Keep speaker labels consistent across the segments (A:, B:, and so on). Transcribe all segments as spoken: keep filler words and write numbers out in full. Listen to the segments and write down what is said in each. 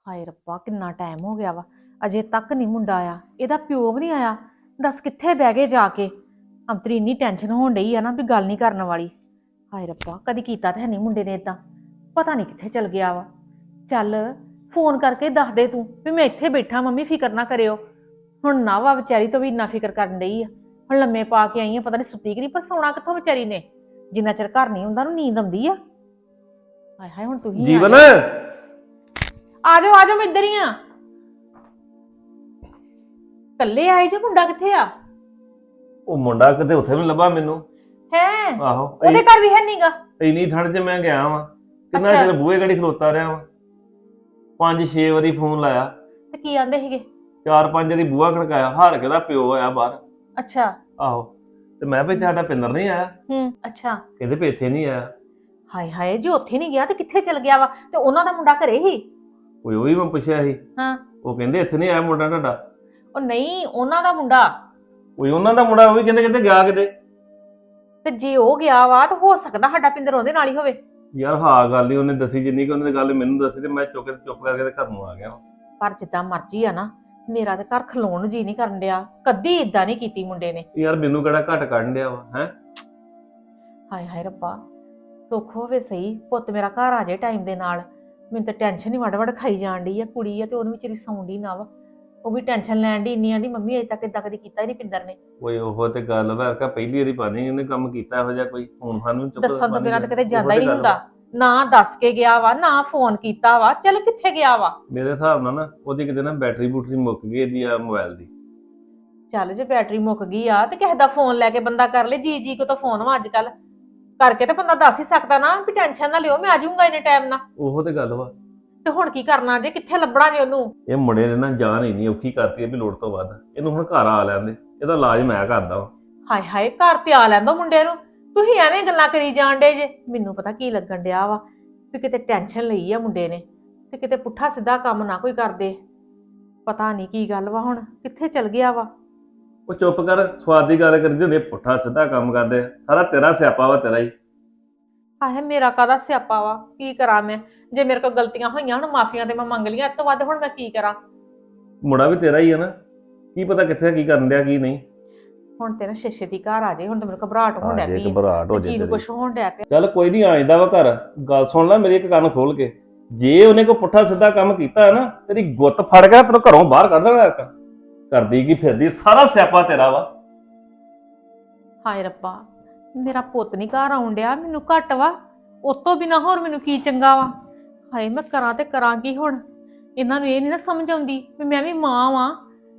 A: ਹਾਏ ਰੱਬਾ ਕਿੰਨਾ ਟਾਈਮ ਹੋ ਗਿਆ ਵਾ ਅਜੇ ਤੱਕ ਨਹੀਂ ਮੁੰਡਾ ਆਇਆ। ਇਹਦਾ ਪਿਓ ਵੀ ਨਹੀਂ ਆਇਆ। ਦੱਸ ਕਿੱਥੇ ਬਹਿ ਗਏ ਜਾ ਕੇ। ਅੰਤਰੀ ਇੰਨੀ ਟੈਨਸ਼ਨ ਹੋਣ ਡਈ ਆ ਨਾ ਵੀ ਗੱਲ ਨਹੀਂ ਕਰਨ ਵਾਲੀ। ਹਾਏ ਰੱਬਾ ਕਦੀ ਕੀਤਾ ਤਾਂ ਹੈ ਨਹੀਂ ਮੁੰਡੇ ਨੇ ਇਦਾਂ। ਪਤਾ ਨਹੀਂ ਕਿੱਥੇ ਚਲ ਗਿਆ ਵਾ। ਚੱਲ ਫੋਨ ਕਰਕੇ ਦੱਸ ਦੇ ਤੂੰ ਵੀ ਮੈਂ ਇੱਥੇ ਬੈਠਾ, ਮੰਮੀ ਫਿਕਰ ਨਾ ਕਰਿਓ। ਹੁਣ ਨਾ ਵਾ ਵਿਚਾਰੀ ਤੋਂ ਵੀ ਇੰਨਾ ਫਿਕਰ ਕਰਨ ਡਈ ਆ। ਹੁਣ ਲੰਮੇ ਪਾ ਕੇ ਆਈ ਆ, ਪਤਾ ਨਹੀਂ ਸੁੱਤੀ ਕਿ ਨਹੀਂ, ਪਰ ਸੌਣਾ ਕਿੱਥੋਂ ਵਿਚਾਰੀ ਨੇ। ਜਿੰਨਾ ਚਿਰ ਘਰ ਨਹੀਂ ਹੁੰਦਾ ਉਹਨੂੰ ਨੀਂਦ ਆਉਂਦੀ ਆ। ਹਾਏ ਹਾਏ ਹੁਣ ਤੁਸੀਂ
B: ਜੀਵਨ
A: ਆ ਜਾਓ ਆ ਜਾਓ, ਮੈਂ ਇੱਧਰ ਹੀ ਆ। ਕੱਲੇ ਆਏ ਜੇ, ਮੁੰਡਾ ਕਿੱਥੇ ਆ?
B: ਉਹ ਮੁੰਡਾ ਕਿਤੇ ਉੱਥੇ ਵੀ ਲੱਭਾ ਮੈਨੂੰ।
A: ਹੈ
B: ਆਹੋ
A: ਉਹਦੇ ਘਰ ਵੀ ਹੈ ਨਹੀਂਗਾ।
B: ਇੰਨੀ ਠੰਡ 'ਚ ਮੈਂ ਗਿਆ ਵਾਂ, ਕਿੰਨਾ
A: ਅੱਛਾ।
B: ਚਿਰ ਬੂਹੇ ਗੜੀ ਖਲੋਤਾ ਰਿਹਾ ਵਾਂ। ਪੰਜ ਛੇ ਵਾਰੀ ਫੋਨ ਲਾਇਆ,
A: ਤੇ ਕੀ ਆਂਦੇ ਸੀਗੇ?
B: ਚਾਰ ਪੰਜ ਵਾਰੀ ਬੂਹਾ ਖੜਕਾਇਆ, ਹਾਰ ਕੇ ਉਹਦਾ ਪਿਓ ਆਇਆ ਬਾਹਰ।
A: ਅੱਛਾ।
B: ਆਹੋ ਤੇ ਮੈਂ ਵੀ ਸਾਡਾ ਪਿੰਦਰ ਨਹੀਂ ਆਇਆ।
A: ਹੂੰ ਅੱਛਾ।
B: ਕਹਿੰਦੇ ਵੀ ਇੱਥੇ ਨਹੀਂ ਆਇਆ।
A: ਹਾਏ ਹਾਏ ਜੇ ਉੱਥੇ ਨਹੀਂ ਗਿਆ ਤੇ ਕਿੱਥੇ ਚਲ ਗਿਆ ਵਾ? ਤੇ ਉਹਨਾਂ ਦਾ ਮੁੰਡਾ ਘਰੇ ਹੀ?
B: ਕੋਈ ਉਹ ਵੀ ਮੈਂ ਪੁੱਛਿਆ ਸੀ,
A: ਹਾਂ।
B: ਉਹ ਕਹਿੰਦੇ ਇੱਥੇ ਨਹੀਂ ਆਇਆ ਮੁੰਡਾ ਤੁਹਾਡਾ।
A: ਉਹ ਨਹੀਂ ਉਹਨਾਂ ਦਾ ਮੁੰਡਾ।
B: ਕੋਈ ਉਹਨਾਂ ਦਾ ਮੁੰਡਾ, ਉਹ ਵੀ ਕਹਿੰਦੇ ਕਹਿੰਦੇ ਗਿਆ ਕਿਤੇ।
A: ਤੇ ਜੇ ਉਹ ਗਿਆ ਵਾ ਤਾਂ ਹੋ ਸਕਦਾ ਸਾਡਾ ਪਿੰਦਰ ਉਹਦੇ ਨਾਲ ਹੀ ਹੋਵੇ।
B: ਯਾਰ ਹਾਂ ਗੱਲ ਹੀ ਉਹਨੇ ਦੱਸੀ, ਜਿੰਨੀ ਕਿ ਉਹਨੇ ਗੱਲ ਮੈਨੂੰ ਦੱਸੀ ਤੇ ਮੈਂ ਚੁੱਕ ਕੇ ਚੁੱਪ ਕਰਕੇ ਤੇ ਘਰ ਨੂੰ ਆ ਗਿਆ।
A: ਪਰ ਜਿੱਦਾਂ ਮਰਜ਼ੀ ਆ ਨਾ, ਮੇਰਾ ਤੇ ਘਰ ਖਲੋਣ ਨੂੰ ਜੀ ਨਹੀਂ ਕਰਨ ਡਿਆ। ਕਦੀ ਇਦਾਂ ਨਹੀਂ ਕੀਤੀ ਮੁੰਡੇ ਨੇ।
B: ਯਾਰ ਮੈਨੂੰ ਕਿਹੜਾ ਘੱਟ ਕੱਢਣ ਡਿਆ ਵਾ ਹੈ।
A: ਹਾਏ ਹਾਏ ਰੱਬਾ ਸੁੱਖ ਹੋਵੇ ਸਹੀ, ਪੁੱਤ ਮੇਰਾ ਘਰ ਆ ਜਾਏ ਟਾਈਮ ਦੇ ਨਾਲ। ਮੈਨੂੰ ਤਾਂ ਟੈਨਸ਼ਨ ਹੀ ਵੜ ਵੜ ਖਾਈ ਜਾਣ ਡਈ ਆ। ਕੁੜੀ ਆ ਤੇ ਉਹਨੂੰ ਵਿਚਾਰੀ ਸੌਂਦੀ ਨਾ ਵਾ, ਉਹ ਵੀ ਟੈਨਸ਼ਨ ਲੈਣ ਦੀ ਇੰਨੀ ਆਂਦੀ ਮੰਮੀ ਅਜੇ ਤੱਕ ਇਦਾਂ ਕਦੀ ਕੀਤਾ ਹੀ ਨਹੀਂ ਪਿੰਦਰ ਨੇ।
B: ਓਏ ਉਹ ਤੇ ਗੱਲ ਵਾ ਕਿ ਪਹਿਲੀ ਵਾਰੀ ਪਾਣੀ ਇਹਨੇ ਕੰਮ ਕੀਤਾ ਇਹੋ ਜਿਹਾ ਕੋਈ। ਹੁਣ ਸਾਨੂੰ ਚੁੱਪ
A: ਦੱਸਣ ਤੋਂ ਬਿਨਾਂ ਤਾਂ ਕਿਤੇ ਜਾਂਦਾ ਹੀ ਨਹੀਂ ਹੁੰਦਾ। ਨਾ ਦੱਸ ਕੇ ਗਿਆ ਵਾ, ਨਾ ਫੋਨ ਕੀਤਾ ਵਾ। ਚੱਲ ਕਿੱਥੇ ਗਿਆ ਵਾ?
B: ਮੇਰੇ ਹਿਸਾਬ ਨਾਲ ਨਾ ਉਹਦੀ ਕਿਤੇ ਨਾ ਬੈਟਰੀ ਬੂਟਰੀ ਮੁੱਕ ਗਈ ਇਹਦੀ ਆ ਮੋਬਾਈਲ ਦੀ।
A: ਚੱਲ ਜੇ ਬੈਟਰੀ ਮੁੱਕ ਗਈ ਆ ਤੇ ਕਿਸੇ ਦਾ ਫੋਨ ਲੈ ਕੇ ਬੰਦਾ ਕਰ ਲੇ। ਜੀ ਜੀ ਕੋ ਤਾਂ ਫੋਨ ਵਾ ਅੱਜ ਕੱਲ, ਕਰਕੇ ਤੇ ਬੰਦਾ ਦੱਸ ਹੀ ਸਕਦਾ ਨਾ ਵੀ ਟੈਨਸ਼ਨ ਨਾ ਲਿਓ, ਮੈਂ ਆ ਜਾਊਂਗਾ ਇੰਨੇ ਟਾਈਮ ਨਾਲ।
B: ਉਹੋ ਤੇ ਗੱਲ ਵਾ।
A: ਤੇ ਹੁਣ ਕੀ ਕਰਨਾ ਜੇ? ਕਿੱਥੇ ਲੱਭਣਾ ਜੇ ਉਹਨੂੰ?
B: ਇਹ ਮੁੰਡੇ ਨੇ ਨਾ ਜਾਨ ਹੀ ਨਹੀਂ ਔਖੀ ਕਰਤੀ ਹੈ ਵੀ ਲੋੜ ਤੋਂ ਵੱਧ। ਇਹਨੂੰ ਹੁਣ ਘਰ ਆ ਲੈਂਦੇ, ਇਹਦਾ ਇਲਾਜ ਮੈਂ ਕਰਦਾ ਵਾ।
A: ਹਾਏ ਹਾਏ ਘਰ ਤੇ ਆ ਲੈਂਦੋ ਮੁੰਡੇ ਨੂੰ। ਤੁਸੀਂ ਐਵੇਂ ਗੱਲਾਂ ਕਰੀ ਜਾਣ ਡੇ ਜੇ। ਮੈਨੂੰ ਪਤਾ ਕੀ ਲੱਗਣ ਡਿਆ ਵਾ ਵੀ ਕਿਤੇ ਟੈਨਸ਼ਨ ਲਈ ਆ ਮੁੰਡੇ ਨੇ ਤੇ ਕਿਤੇ ਪੁੱਠਾ ਸਿੱਧਾ ਕੰਮ ਨਾ ਕੋਈ ਕਰਦੇ। ਪਤਾ ਨਹੀਂ ਕੀ ਗੱਲ ਵਾ, ਹੁਣ ਕਿੱਥੇ ਚਲ ਗਿਆ ਵਾ।
B: ਉਹ ਚੁੱਪ ਕਰ, ਸਵਾਦ ਦੀ ਗੱਲ ਕਰੀ ਹੁੰਦੀ, ਪੁੱਠਾ ਸਿੱਧਾ ਕੰਮ ਕਰਦੇ। ਸਾਰਾ ਤੇਰਾ ਸਿਆਪਾ ਵਾ, ਤੇਰਾ ਹੀ।
A: ਹਾਏ ਮੇਰਾ ਕਾਹਦਾ ਸਿਆਪਾ ਵਾ? ਕੀ ਕਰਾਂ ਮੈਂ? ਜੇ ਮੇਰੇ ਕੋਲ ਗਲਤੀਆਂ ਹੋਈਆਂ ਹੁਣ ਮਾਫੀਆਂ ਤੇ ਮੈਂ ਮੰਗ ਲਈਆਂ, ਇਸ ਤੋਂ ਵੱਧ ਹੁਣ ਮੈਂ ਕੀ ਕਰਾਂ?
B: ਮੁੰਡਾ ਵੀ ਤੇਰਾ ਹੀ ਹੈ ਨਾ, ਕੀ ਪਤਾ ਕਿੱਥੇ ਕੀ ਕਰਨ ਡਿਆ ਕੀ ਨਹੀਂ।
A: ਹੁਣ ਤੇ ਨਾ ਛੇ ਦੀ ਘਰ ਆ ਜੇ। ਹੁਣ ਤੇ ਮੈਨੂੰ ਘਬਰਾਹਟ ਹੋਣ ਡਿਆ ਪਈ।
B: ਘਬਰਾਹਟ ਹੋ
A: ਜੀ ਨੂੰ ਕੁਛ ਹੋਣ ਡਿਆ ਪਿਆ।
B: ਚੱਲ ਕੋਈ ਨਹੀਂ, ਆ ਜਾਂਦਾ ਵਾ ਘਰ। ਗੱਲ ਸੁਣ ਲੈ ਮੇਰੀ ਇੱਕ ਕੰਨ ਖੋਲ ਕੇ, ਜੇ ਉਹਨੇ ਕੋਈ ਪੁੱਠਾ ਸਿੱਧਾ ਕੰਮ ਕੀਤਾ ਹੈ ਨਾ, ਤੇਰੀ ਗੁੱਤ ਫੜ ਕੇ ਤੈਨੂੰ ਘਰੋਂ ਬਾਹਰ ਕੱਢ ਦੇਣਾ। ਕਰਦੀ ਕੀ ਫਿਰਦੀ, ਸਾਰਾ ਸਿਆਪਾ ਤੇਰਾ ਵਾ।
A: ਹਾਏ ਰੱਬਾ ਮੇਰਾ ਪੁੱਤ ਨਹੀਂ ਘਰ ਆਉਣ ਡਿਆ, ਮੈਨੂੰ ਘੱਟ ਵਾ। ਉਸ ਤੋਂ ਬਿਨਾਂ ਹੋਰ ਮੈਨੂੰ ਕੀ ਚੰਗਾ ਵਾ? ਹਾਏ ਮੈਂ ਕਰਾਂ ਤੇ ਕਰਾਂ ਕੀ ਹੁਣ? ਇਹਨਾਂ ਨੂੰ ਇਹ ਨਹੀਂ ਨਾ ਸਮਝ ਆਉਂਦੀ ਵੀ ਮੈਂ ਵੀ ਮਾਂ ਵਾਂ।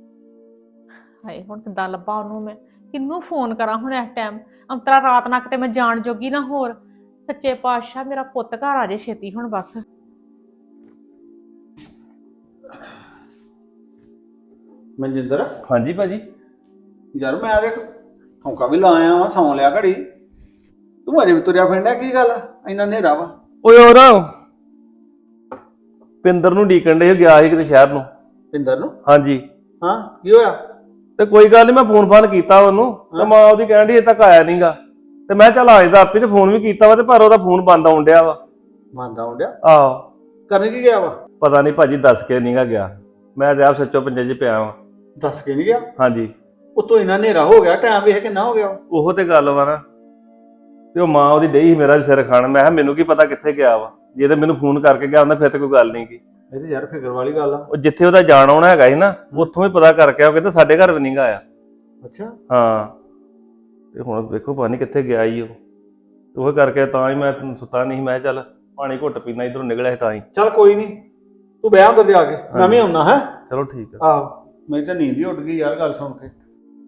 A: ਹਾਏ ਹੁਣ ਕਿੱਦਾਂ ਲੱਭਾਂ ਉਹਨੂੰ? ਮੈਂ ਕਿਹਨੂੰ ਫੋਨ ਕਰਾਂ ਹੁਣ ਇਸ ਟਾਈਮ? ਅੰਤਰਾ ਰਾਤ ਨਾ ਕਿਤੇ ਮੈਂ ਜਾਣ ਜੋਗੀ ਨਾ ਹੋਰ। ਸੱਚੇ ਪਾਤਸ਼ਾਹ ਮੇਰਾ ਪੁੱਤ ਘਰ ਆ ਜੇ ਛੇਤੀ ਹੁਣ ਬਸ।
C: ਮਨਜਿੰਦਰ,
B: ਹਾਂਜੀ ਭਾਜੀ।
C: ਯਾਰ ਮੈਂ ਦੇਖ ਠੌਂਕਾ ਵੀ ਲਾ ਆਇਆ ਵਾਂ, ਸੌਂ ਲਿਆ ਘੜੀ। ਤੂੰ ਅਜੇ ਵੀ ਤੁਰਿਆ ਫਿਰਦਾ, ਕੀ ਗੱਲ ਇੰਨਾ ਹਨੇਰਾ ਵਾ?
B: ਓਏ ਹੋਰ ਪਿੰਦਰ ਨੂੰ ਡੀਕਣ ਦੇ ਗਿਆ ਸੀ ਕਿਤੇ ਸ਼ਹਿਰ ਨੂੰ।
C: ਪਿੰਦਰ ਨੂੰ?
B: ਹਾਂਜੀ।
C: ਹਾਂ ਕੀ ਹੋਇਆ?
B: ਤੇ ਕੋਈ ਗੱਲ ਨਹੀਂ, ਮੈਂ ਫੋਨ ਫਾਨ ਕੀਤਾ ਉਹਨੂੰ ਤੇ ਮਾਂ ਉਹਦੀ ਕਹਿਣ ਡਈ ਅਜੇ ਤੱਕ ਆਇਆ ਨਹੀਂਗਾ। ਤੇ ਮੈਂ ਚੱਲ ਆ ਜਾਂਦਾ ਆਪੇ, ਤੇ ਫੋਨ ਵੀ ਕੀਤਾ ਵਾ ਤੇ ਪਰ ਉਹਦਾ ਫੋਨ ਬੰਦ ਆਉਣ ਡਿਆ ਵਾ।
C: ਮੰਨਦਾ ਹੁੰਦਿਆ?
B: ਆਹੋ।
C: ਕਰਨ ਕੀ ਗਿਆ ਵਾ?
B: ਪਤਾ ਨਹੀਂ ਭਾਜੀ, ਦੱਸ ਕੇ ਨਹੀਂਗਾ ਗਿਆ। ਮੈਂ ਤੇ ਆਪ ਸੱਚੋ ਪੰਜੇ 'ਚ ਪਿਆ ਵਾਂ।
C: ਦੱਸ ਕੇ ਨਹੀਂ ਗਿਆ?
B: ਹਾਂਜੀ।
C: ਉਤੋਂ ਇੰਨਾ ਹਨੇਰਾ ਹੋ ਗਿਆ, ਟਾਈਮ ਵੇਖ ਕਿੰਨਾ ਹੋ ਗਿਆ।
B: ਉਹੋ ਤੇ ਗੱਲ ਵਾ ਨਾ। ਤੇ ਉਹ ਮਾਂ ਉਹਦੀ ਡਈ ਸੀ ਮੇਰਾ ਸਿਰ ਖਾਣ। ਮੈਂ ਕਿਹਾ ਮੈਨੂੰ ਕੀ ਪਤਾ ਕਿੱਥੇ ਗਿਆ ਵਾ। ਜੇ ਤੇ ਮੈਨੂੰ ਫੋਨ ਕਰਕੇ ਗਿਆ ਹੁੰਦਾ ਫਿਰ ਤੇ ਕੋਈ ਗੱਲ ਨਹੀਂ ਗੀ।
C: ਇਹ ਤੇ ਯਾਰ ਫਿਕਰ ਵਾਲੀ ਗੱਲ ਆ।
B: ਉਹ ਜਿੱਥੇ ਉਹਦਾ ਜਾਣ ਆਉਣਾ ਹੈਗਾ ਸੀ ਨਾ, ਉੱਥੋਂ ਹੀ ਪਤਾ ਕਰਕੇ ਆ, ਉਹ ਕਹਿੰਦਾ ਸਾਡੇ ਘਰ ਵੀ ਨਹੀਂਗਾ ਆਇਆ।
C: ਅੱਛਾ।
B: ਹਾਂ ਤੇ ਹੁਣ ਵੇਖੋ ਪਤਾ ਨਹੀਂ ਕਿੱਥੇ ਗਿਆ ਹੀ ਉਹ। ਉਹ ਕਰਕੇ ਤਾਂ ਹੀ ਮੈਂ ਸੁੱਤਾ ਨਹੀਂ। ਮੈਂ ਚੱਲ ਪਾਣੀ ਘੁੱਟ ਪੀਣਾ, ਇਧਰੋਂ ਨਿਕਲਿਆ ਸੀ ਤਾਂ ਹੀ।
C: ਚੱਲ ਕੋਈ ਨਹੀਂ, ਤੂੰ ਬਹਿ ਅੰਦਰ ਜਾ ਕੇ, ਮੈਂ ਵੀ ਆਉਣਾ ਹੈ।
B: ਚਲੋ ਠੀਕ ਆ।
C: ਆਹੋ ਮੇਰੀ ਤਾਂ ਨੀਂਦ ਹੀ ਉੱਡ ਗਈ ਯਾਰ ਗੱਲ ਸੁਣ ਕੇ।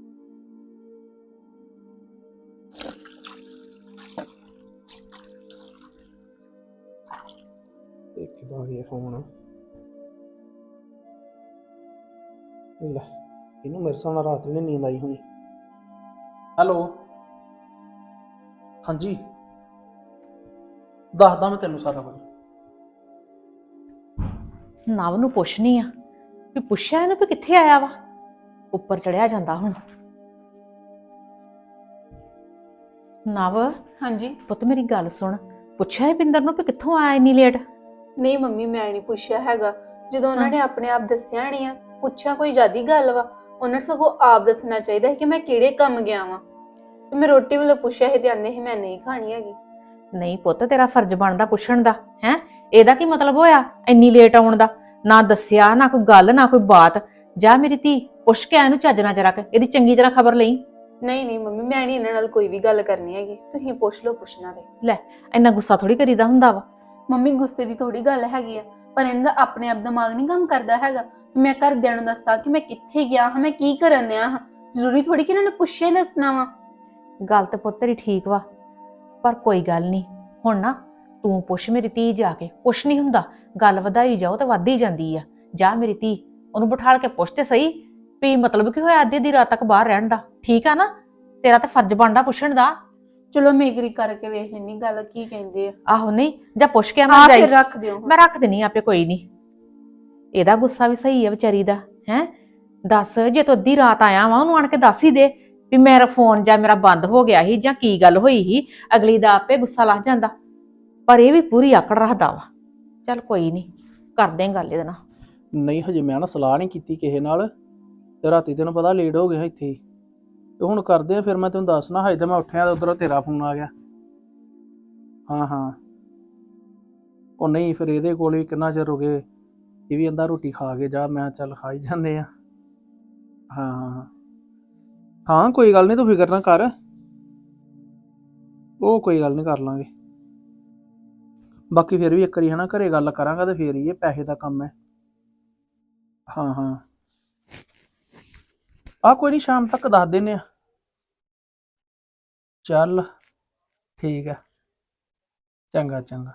C: ਦੇਖਦਾ ਇਹ ਫੋਨ ਲੈ, ਇਹਨੂੰ ਮੇਰੇ ਸਾਹਮਣੇ ਰਾਤ ਨੂੰ ਨੀਂਦ ਆਈ ਹੋਣੀ। ਹੈਲੋ ਹਾਂਜੀ, ਦੱਸਦਾ ਮੈਂ ਤੈਨੂੰ ਸਾਰਾ ਕੁਝ।
A: ਨਵ ਨੂੰ ਪੁੱਛਣੀ ਆ ਵੀ ਪੁੱਛਿਆ ਇਹਨੂੰ ਵੀ ਕਿੱਥੇ ਆਇਆ ਵਾ। ਉੱਪਰ ਚੜਿਆ ਜਾਂਦਾ ਹੁਣ। ਨਵ।
D: ਹਾਂਜੀ
A: ਪੁੱਤ ਮੇਰੀ ਗੱਲ ਸੁਣ, ਪੁੱਛਿਆ ਇਹ ਪਿੰਦਰ ਨੂੰ ਵੀ ਕਿੱਥੋਂ ਆਇਆ ਇੰਨੀ ਲੇਟ?
D: ਨਹੀਂ ਮੰਮੀ, ਮੈਂ ਨਹੀਂ ਪੁੱਛਿਆ ਹੈਗਾ। ਜਦੋਂ ਉਹਨਾਂ ਨੇ ਆਪਣੇ ਆਪ ਦੱਸਿਆ ਨਹੀਂ ਆ, ਪੁੱਛਿਆ ਕੋਈ ਜ਼ਿਆਦੀ ਗੱਲ ਵਾ, ਉਹਨਾਂ ਨੂੰ ਸਗੋਂ ਆਪ ਦੱਸਣਾ ਚਾਹੀਦਾ ਸੀ ਕਿ ਮੈਂ ਕਿਹੜੇ ਕੰਮ ਗਿਆ ਵਾਂ। ਤੇ ਮੈਂ ਰੋਟੀ ਵੱਲੋਂ ਪੁੱਛਿਆ ਸੀ ਤੇ ਆਨੇ ਸੀ ਮੈਂ ਨਹੀਂ ਖਾਣੀ ਹੈਗੀ।
A: ਨਹੀਂ ਪੁੱਤ, ਤੇਰਾ ਫਰਜ਼ ਬਣਦਾ ਪੁੱਛਣ ਦਾ ਹੈ। ਇਹਦਾ ਕੀ ਮਤਲਬ ਹੋਇਆ ਇੰਨੀ ਲੇਟ ਆਉਣ ਦਾ? ਨਾ ਦੱਸਿਆ, ਨਾ ਕੋਈ ਗੱਲ, ਨਾ ਕੋਈ ਬਾਤ। ਜਾ ਮੇਰੀ ਧੀ, ਪੁੱਛ ਕੇ ਆ ਇਹਨੂੰ ਚੱਜ ਨਾਲ ਜਰਾ, ਇਹਦੀ ਚੰਗੀ ਤਰ੍ਹਾਂ ਖਬਰ ਲਈ।
D: ਨਹੀਂ ਨਹੀਂ ਮੰਮੀ, ਮੈਂ ਨਹੀਂ ਇਹਨਾਂ ਨਾਲ ਕੋਈ ਵੀ ਗੱਲ ਕਰਨੀ ਹੈਗੀ, ਤੁਸੀਂ ਪੁੱਛ ਲਓ ਪੁੱਛਣਾ ਤੇ।
A: ਲੈ, ਇੰਨਾ ਗੁੱਸਾ ਥੋੜੀ ਕਰੀਦਾ ਹੁੰਦਾ ਵਾ।
D: ਮੰਮੀ ਗੁੱਸੇ ਦੀ ਥੋੜੀ ਗੱਲ ਹੈਗੀ ਆ, ਪਰ ਇਹਨਾਂ ਦਾ ਆਪਣੇ ਆਪ ਦਿਮਾਗ ਨਹੀਂ ਕੰਮ ਕਰਦਾ ਹੈਗਾ। ਮੈਂ ਘਰਦਿਆਂ ਨੂੰ ਦੱਸਾਂ ਕਿ ਮੈਂ ਕਿੱਥੇ ਗਿਆ ਹਾਂ, ਮੈਂ ਕੀ ਕਰਨ ਦਿਆ ਹਾਂ? ਜ਼ਰੂਰੀ ਥੋੜੀ ਕਿ ਇਹਨਾਂ ਨੇ ਪੁੱਛਿਆ ਹੀ ਦੱਸਣਾ ਵਾ।
A: ਗੱਲ ਤੇ ਪੁੱਤ ਤੇਰੀ ਠੀਕ ਵਾ, ਪਰ ਕੋਈ ਗੱਲ ਨਹੀਂ। ਹੁਣ ਨਾ ਤੂੰ ਪੁੱਛ ਮੇਰੀ ਧੀ ਜਾ ਕੇ। ਕੁਛ ਨਹੀਂ ਹੁੰਦਾ, ਗੱਲ ਵਧਾਈ ਜਾਓ ਤਾਂ ਵੱਧ ਹੀ ਜਾਂਦੀ ਆ। ਜਾ ਮੇਰੀ ਧੀ, ਉਹਨੂੰ ਬਿਠਾਲ ਕੇ ਪੁੱਛ ਤੇ ਸਹੀ ਵੀ ਮਤਲਬ ਕੀ ਹੋਇਆ ਅੱਧੀ ਅੱਧੀ ਰਾਤ ਤੱਕ ਬਾਹਰ ਰਹਿਣ ਦਾ। ਠੀਕ ਆ ਨਾ? ਤੇਰਾ ਤਾਂ ਫਰਜ਼ ਬਣਦਾ ਪੁੱਛਣ ਦਾ।
D: ਚਲੋ ਮੇਗਰੀ ਕਰਕੇ ਵੇਖ ਲੈਣੀ ਗੱਲ ਕੀ ਕਹਿੰਦੇ ਆ।
A: ਆਹੋ, ਨਹੀਂ ਜਾਂ ਪੁੱਛ ਕੇ
D: ਹਾਂ
A: ਮੈਂ ਜਾਈ।
D: ਫਿਰ ਰੱਖ ਦਿਓ।
A: ਮੈਂ ਰੱਖ ਦਿੰਨੀ ਆਪੇ, ਕੋਈ ਨਹੀਂ। ਇਹਦਾ ਗੁੱਸਾ ਵੀ ਸਹੀ ਹੈ ਵਿਚਾਰੀ ਦਾ। ਹੈ ਦੱਸ, ਜੇ ਤੂੰ ਅੱਧੀ ਰਾਤ ਆਇਆ ਵਾ, ਉਹਨੂੰ ਆਣ ਕੇ ਦੱਸ ਹੀ ਦੇ ਵੀ ਮੇਰਾ ਫੋਨ ਜਾਂ ਮੇਰਾ ਬੰਦ ਹੋ ਗਿਆ ਸੀ ਜਾਂ ਕੀ ਗੱਲ ਹੋਈ ਸੀ। ਅਗਲੀ ਦਾ ਆਪੇ ਗੁੱਸਾ ਲੱਗ ਜਾਂਦਾ, ਪਰ ਇਹ ਵੀ ਪੂਰੀ ਆਕੜ ਰੱਖਦਾ ਵਾ। ਚੱਲ ਕੋਈ ਨਹੀਂ, ਕਰਦੇ ਆਂ ਗੱਲ ਇਹਦੇ ਨਾਲ।
E: ਨਹੀਂ ਹਜੇ ਮੈਂ ਨਾ ਸਲਾਹ ਨਹੀਂ ਕੀਤੀ ਕਿਸੇ ਨਾਲ, ਤੇ ਰਾਤੀ ਤੈਨੂੰ ਪਤਾ ਲੇਟ ਹੋ ਗਿਆ ਇੱਥੇ ਹੀ। ਤੇ ਹੁਣ ਕਰਦੇ ਆ ਫਿਰ, ਮੈਂ ਤੈਨੂੰ ਦੱਸਣਾ। ਹਜੇ ਤਾਂ ਮੈਂ ਉੱਠਿਆ ਤੇ ਉਧਰੋਂ ਤੇਰਾ ਫੋਨ ਆ ਗਿਆ। ਹਾਂ ਹਾਂ, ਉਹ ਨਹੀਂ ਫਿਰ ਇਹਦੇ ਕੋਲ ਵੀ ਕਿੰਨਾ ਚਿਰ ਹੋ ਗਏ, ਇਹ ਵੀ ਕਹਿੰਦਾ ਰੋਟੀ ਖਾ ਕੇ ਜਾ। ਮੈਂ ਚੱਲ ਖਾ ਹੀ ਜਾਂਦੇ ਆ। ਹਾਂ ਹਾਂ ਹਾਂ, ਕੋਈ ਗੱਲ ਨਹੀਂ, ਤੂੰ ਫਿਕਰ ਨਾ ਕਰ। ਉਹ ਕੋਈ ਗੱਲ ਨਹੀਂ, ਕਰ ਲਾਂਗੇ। ਬਾਕੀ ਫਿਰ ਵੀ ਇੱਕ ਵਾਰੀ ਹਨਾ ਘਰੇ ਗੱਲ ਕਰਾਂਗਾ ਤੇ ਫੇਰ ਹੀ, ਇਹ ਪੈਸੇ ਦਾ ਕੰਮ ਹੈ। ਹਾਂ ਹਾਂ, ਆ ਕੋਈ ਨਹੀਂ, ਸ਼ਾਮ ਤੱਕ ਦੱਸ ਦਿੰਨੇ ਆ। ਚੱਲ ਠੀਕ ਹੈ, ਚੰਗਾ ਚੰਗਾ।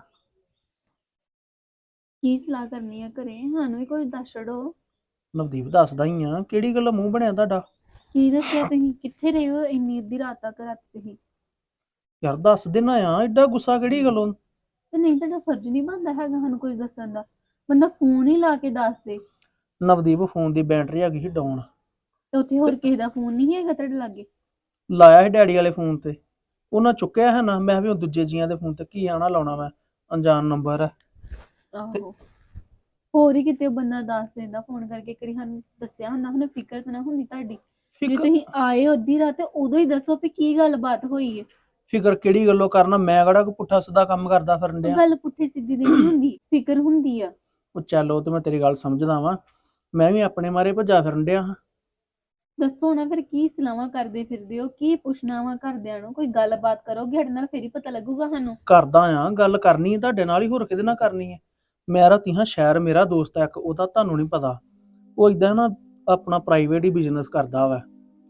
D: ਕੀ ਸਲਾਹ ਕਰਨੀ ਆ ਘਰੇ? ਸਾਨੂੰ ਵੀ ਕੁਝ ਦੱਸ ਛੜੋ।
E: ਨਵਦੀਪ ਦੱਸਦਾ ਹੀ ਆ, ਕਿਹੜੀ ਗੱਲ ਮੂੰਹ ਬਣਿਆ ਤੁਹਾਡਾ?
D: ਕੀ ਦੱਸਿਆ ਤੁਸੀਂ? ਕਿੱਥੇ ਰਹੇ ਹੋ ਇੰਨੀ ਅੱਧੀ ਰਾਤ ਤੱਕ ਰਾਤ ਤੁਸੀਂ?
E: ਯਾਰ ਦੱਸ ਦੇਣਾ ਆ, ਐਡਾ ਗੁੱਸਾ ਕਿਹੜੀ ਗੱਲੋਂ?
D: ਤੇ ਨਹੀਂ, ਤੁਹਾਡਾ ਫਰਜ਼ ਨਹੀਂ ਬਣਦਾ ਹੈਗਾ ਸਾਨੂੰ ਕੁਝ ਦੱਸਣ ਦਾ? ਬੰਦਾ ਫੋਨ ਹੀ ਲਾ ਕੇ ਦੱਸ ਦੇ।
E: ਨਵਦੀਪ ਫੋਨ ਦੀ ਬੈਟਰੀ ਹੈਗੀ ਸੀ ਡਾਊਨ।
D: ਤੇ ਉੱਥੇ ਹੋਰ ਕਿਸੇ ਦਾ ਫੋਨ ਨਹੀਂ ਹੈਗਾ ਤੁਹਾਡੇ ਲਾਗੇ?
E: ਲਾਇਆ ਸੀ ਡੈਡੀ ਵਾਲੇ ਫੋਨ ਤੇ, ਉਹਨਾਂ ਚੁੱਕਿਆ ਹੈ ਨਾ। ਮੈਂ ਵੀ ਹੁਣ ਦੂਜੇ ਜੀਆਂ ਦੇ ਫੋਨ ਤੇ ਕੀ ਆਣਾ ਲਾਉਣਾ, ਮੈਂ ਅਣਜਾਣ ਨੰਬਰ ਹੈ।
D: ਆਹੋ, ਹੋਰ ਹੀ ਕਿਤੇ ਉਹ ਬੰਦਾ ਦੱਸ ਦਿੰਦਾ ਫੋਨ ਕਰਕੇ, ਕਰੀ ਸਾਨੂੰ ਦੱਸਿਆ ਹੁੰਦਾ, ਹੁਣ ਫਿਕਰ ਤਾਂ ਨਾ ਹੁੰਦੀ ਤੁਹਾਡੀ। ਜੇ
E: ਫਿਕਰ
D: ਤੁਸੀਂ ਆਏ ਹੋ ਅੱਧੀ ਰਾਤ ਤੇ ਉਦੋਂ ਹੀ ਦੱਸੋ ਵੀ ਕੀ ਗੱਲਬਾਤ ਹੋਈ ਹੈ।
E: ਫਿਕਰ ਕਿਹੜੀ ਗੱਲੋਂ ਕਰਨਾ? ਮੈਂ ਕਿਹੜਾ ਕੋਈ ਪੁੱਠਾ ਸਿੱਧਾ ਕੰਮ ਕਰਦਾ ਫਿਰਨ
D: ਉਹ
E: ਡਿਆ।
D: ਗੱਲ ਪੁੱਠੀ ਸਿੱਧੀ ਦੀ ਨਹੀਂ ਹੁੰਦੀ, ਫਿਕਰ ਹੁੰਦੀ ਆ।
E: ਉਹ ਚੱਲ, ਉਹ ਤੇ ਮੈਂ ਤੇਰੀ ਗੱਲ ਸਮਝਦਾ ਵਾਂ, ਮੈਂ ਵੀ ਆਪਣੇ ਮਾਰੇ ਭੱਜਾ ਫਿਰਨ ਡਿਆ ਹਾਂ।
D: ਦੱਸੋ ਨਾ ਫਿਰ, ਕੀ ਸਲਾਹਾਂ ਕਰਦੇ ਫਿਰਦੇ ਹੋ? ਕੀ ਪੁੱਛਣਾ ਵਾ ਘਰਦਿਆਂ ਨੂੰ? ਕੋਈ ਗੱਲਬਾਤ ਕਰੋਗੇ ਸਾਡੇ ਨਾਲ, ਫੇਰ ਹੀ ਪਤਾ ਲੱਗੂਗਾ ਸਾਨੂੰ।
E: ਕਰਦਾ ਆ ਗੱਲ, ਕਰਨੀ ਹੈ ਤੁਹਾਡੇ ਨਾਲ ਹੀ, ਹੋਰ ਕਿਹਦੇ ਨਾਲ ਕਰਨੀ ਹੈ? ਮੈਂ ਰਾਤੀ ਹਾਂ ਸ਼ਹਿਰ, ਮੇਰਾ ਦੋਸਤ ਹੈ ਇੱਕ, ਉਹਦਾ ਤੁਹਾਨੂੰ ਨਹੀਂ ਪਤਾ, ਉਹ ਇਦਾਂ ਨਾ ਆਪਣਾ ਪ੍ਰਾਈਵੇਟ ਹੀ ਬਿਜ਼ਨਸ ਕਰਦਾ ਵਾ,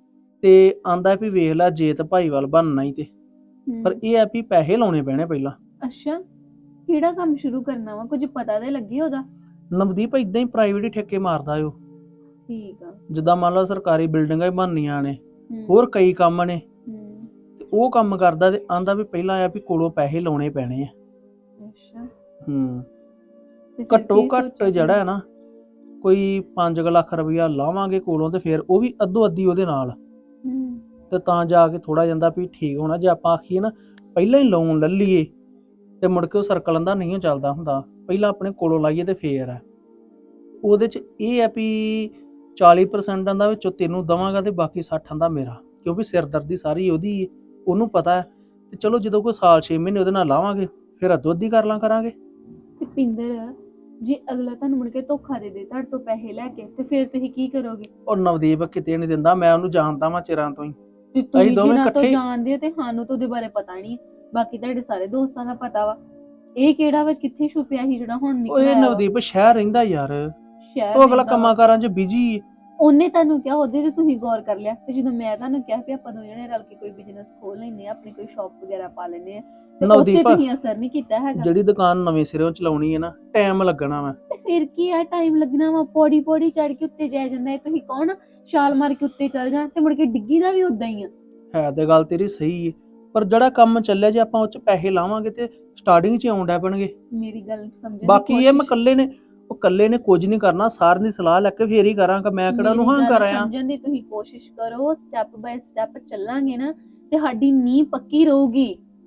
E: ਤੇ ਆਂਦਾ ਵੀ ਵੇਖ ਲੈ ਜੇ ਤੇ ਭਾਈਵਾਲ ਬਣਨਾ ਹੀ ਤੇ, ਪਰ ਇਹ ਹੈ ਵੀ ਪੈਸੇ ਲਾਉਣੇ ਪੈਣੇ ਪਹਿਲਾਂ।
D: ਅੱਛਾ, ਕਿਹੜਾ ਕੰਮ ਸ਼ੁਰੂ ਕਰਨਾ ਵਾ? ਕੁਝ ਪਤਾ ਤੇ ਲੱਗੇ ਉਹਦਾ।
E: ਨਵਦੀਪ ਇਦਾਂ ਹੀ ਪ੍ਰਾਈਵੇਟ ਹੀ ਠੇਕੇ ਮਾਰਦਾ ਉਹ।
D: ਠੀਕ ਆ।
E: ਜਿੱਦਾਂ ਮੰਨ ਲਓ ਸਰਕਾਰੀ ਬਿਲਡਿੰਗਾਂ ਹੀ ਬਣਨੀਆਂ ਨੇ,
D: ਹੂੰ,
E: ਹੋਰ ਕਈ ਕੰਮ ਨੇ,
D: ਹੂੰ,
E: ਤੇ ਉਹ ਕੰਮ ਕਰਦਾ। ਤੇ ਆਂਦਾ ਵੀ ਪਹਿਲਾਂ ਆ ਵੀ ਕੋਲੋਂ ਪੈਸੇ ਲਾਉਣੇ ਪੈਣੇ ਆ।
D: ਅੱਛਾ,
E: ਹੂੰ,
D: ਤੇ ਫਿਰ
E: ਘੱਟੋ
D: ਕੀ
E: ਘੱਟ
D: ਸੋਚਿਆ
E: ਜਿਹੜਾ ਹੈ
D: ਤੁਸੀਂ?
E: ਨਾ ਕੋਈ ਪੰਜ ਲੱਖ ਰੁਪਇਆ ਲਾਵਾਂਗੇ ਕੋਲੋਂ, ਤੇ ਫਿਰ ਉਹ ਵੀ ਅੱਧੋ ਅੱਧੀ ਉਹਦੇ ਨਾਲ,
D: ਹੂੰ,
E: ਤੇ ਤਾਂ ਜਾ ਕੇ ਥੋੜਾ ਜਾਂਦਾ ਵੀ ਠੀਕ ਹੋਣਾ। ਜੇ ਆਪਾਂ ਆਖੀਏ ਨਾ ਪਹਿਲਾਂ ਹੀ ਲੋਨ ਲੈ ਲਈਏ ਤੇ ਮੁੜ ਕੇ ਉਹ ਸਰਕਲ ਦਾ ਨਹੀਂ ਚੱਲਦਾ ਹੁੰਦਾ, ਪਹਿਲਾਂ ਆਪਣੇ ਕੋਲੋਂ ਲਾਈਏ ਤੇ ਫੇਰ ਹੈ। ਉਹਦੇ ਚ ਇਹ ਹੈ ਵੀ ਚਾਲੀ ਪ੍ਰਸੈਂਟ ਦਾ ਵਿੱਚੋਂ ਤੈਨੂੰ ਦਵਾਂਗਾ ਤੇ ਬਾਕੀ ਸੱਠ ਦਾ ਮੇਰਾ, ਕਿਉਂਕਿ ਸਿਰਦਰਦੀ ਸਾਰੀ ਉਹਦੀ ਹੈ, ਉਹਨੂੰ ਪਤਾ ਹੈ। ਤੇ ਚਲੋ ਜਦੋਂ ਕੋਈ ਸਾਲ ਛੇ ਮਹੀਨੇ ਉਹਦੇ ਨਾਲ ਲਾਵਾਂਗੇ, ਫਿਰ ਅੱਧੋ ਅੱਧੀ ਕਰ ਲਾਂ ਕਰਾਂਗੇ।
D: ਤੇ ਪਿੰਦਰ, ਜੇ ਅਗਲਾ ਤੁਹਾਨੂੰ ਮੁੜ ਕੇ ਧੋਖਾ ਦੇ ਦੇ ਤੁਹਾਡੇ ਤੋਂ ਪੈਸੇ ਲੈ ਕੇ, ਤੇ ਫਿਰ ਤੁਸੀਂ ਕੀ ਕਰੋਗੇ?
E: ਔਰ ਨਵਦੀਪ ਕਿਤੇ ਨਹੀਂ ਦਿੰਦਾ, ਮੈਂ ਉਹਨੂੰ ਜਾਣਦਾ ਵਾਂ ਚਿਰਾਂ ਤੋਂ ਹੀ।
D: ਤੇ
E: ਅਸੀਂ
D: ਤੁਸੀਂ
E: ਦੋਵੇਂ
D: ਜਿਨ੍ਹਾਂ ਤੋਂ
E: ਇਕੱਠੇ-
D: ਜਾਣਦੇ ਹੋ ਤੇ ਸਾਨੂੰ ਤਾਂ ਉਹਦੇ ਬਾਰੇ ਪਤਾ ਨਹੀਂ, ਬਾਕੀ ਤੁਹਾਡੇ ਸਾਰੇ ਦੋਸਤਾਂ ਦਾ ਪਤਾ ਵਾ। ਇਹ ਕਿਹੜਾ ਵਾ ਕਿੱਥੇ ਛੁਪਿਆ ਸੀ ਜਿਹੜਾ ਹੁਣ
E: ਉਹ
D: ਨਿਕਲ
E: ਇਹ
D: ਆਇਆ ਵਾ?
E: ਨਵਦੀਪ ਸ਼ਹਿਰ ਰਹਿੰਦਾ ਯਾਰ,
D: ਸ਼ਹਿਰ
E: ਉਹ ਅਗਲਾ
D: ਰਹਿੰਦਾ ਵਾ।
E: ਕੰਮਾਂ ਕਾਰਾਂ 'ਚ ਬਿਜੀ।
D: ਉਹਨੇ ਤੁਹਾਨੂੰ ਕਿਹਾ, ਉਹਦੇ ਤੇ ਤੁਸੀਂ ਗੌਰ ਕਰ ਲਿਆ। ਤੇ ਜਦੋਂ ਮੈਂ ਤੁਹਾਨੂੰ ਕਿਹਾ ਵੀ ਆਪਾਂ ਦੋ ਜਣੇ ਰਲ ਕੇ ਕੋਈ ਬਿਜ਼ਨਸ ਖੋਲ ਲੈਨੇ ਆ, ਆਪਣੀ ਕੋਈ ਸ਼ਾਪ ਵਗੈਰਾ ਪਾ ਲੈਨੇ ਆ, ਤੇ ਉੱਤੇ
E: ਨਵਦੀਪ
D: ਤੁਸੀਂ ਅਸਰ ਨਹੀਂ ਕੀਤਾ ਹੈਗਾ।
E: ਜਿਹੜੀ ਦੁਕਾਨ ਨਵੇਂ ਸਿਰੋਂ ਚਲਾਉਣੀ ਹੈ ਨਾ, ਟਾਈਮ ਲੱਗਣਾ ਵਾ।
D: ਤੇ ਫਿਰ ਕੀ ਆ, ਟਾਈਮ ਲੱਗਣਾ ਵਾ? ਪੌੜੀ ਪੌੜੀ ਚੜ ਕੇ ਉੱਤੇ ਜਾਇਆ ਜਾਂਦਾ ਹੈ। ਤੁਸੀਂ ਕੌਣ ਛਾਲ ਮਾਰ ਕੇ ਉੱਤੇ ਚੱਲ ਜਾ ਤੇ ਮੁੜ ਕੇ ਡਿੱਗੀ ਦਾ ਵੀ ਉਦਾਂ ਹੀ ਆ।
E: ਹੈ ਤੇ ਗੱਲ ਤੇਰੀ ਸਹੀ ਹੈ, ਪਰ ਜਿਹੜਾ ਕੰਮ ਚੱਲਿਆ ਜੇ ਆਪਾਂ ਉਹ 'ਚ ਪੈਸੇ ਲਾਵਾਂਗੇ ਤੇ ਸਟਾਰਟਿੰਗ 'ਚ ਆਉਣ ਡੈ ਪੈਣਗੇ।
D: ਮੇਰੀ ਗੱਲ ਸਮਝਣ ਦੀ
E: ਬਾਕੀ ਇਹ ਮੈਂ
D: ਕੋਸ਼ਿਸ਼-
E: ਇਕੱਲੇ ਨੇ, ਉਹ ਇਕੱਲੇ ਨੇ ਕੁਝ ਨਹੀਂ ਕਰਨਾ, ਸਾਰਿਆਂ ਦੀ ਸਲਾਹ ਲੈ ਕੇ ਫੇਰ ਹੀ ਕਰਾਂਗਾ। ਮੈਂ ਕਿਹੜਾ ਨੂੰ ਹਾਂ
D: ਮੇਰੀ ਗੱਲ
E: ਕਰ ਆਇਆ।
D: ਸਮਝਣ ਦੀ ਤੁਸੀਂ ਕੋਸ਼ਿਸ਼ ਕਰੋ, ਸਟੈਪ ਬਾਏ ਸਟੈਪ ਚੱਲਾਂਗੇ ਨਾ ਤੇ ਸਾਡੀ ਨੀਂਹ ਪੱਕੀ ਰਹੂਗੀ।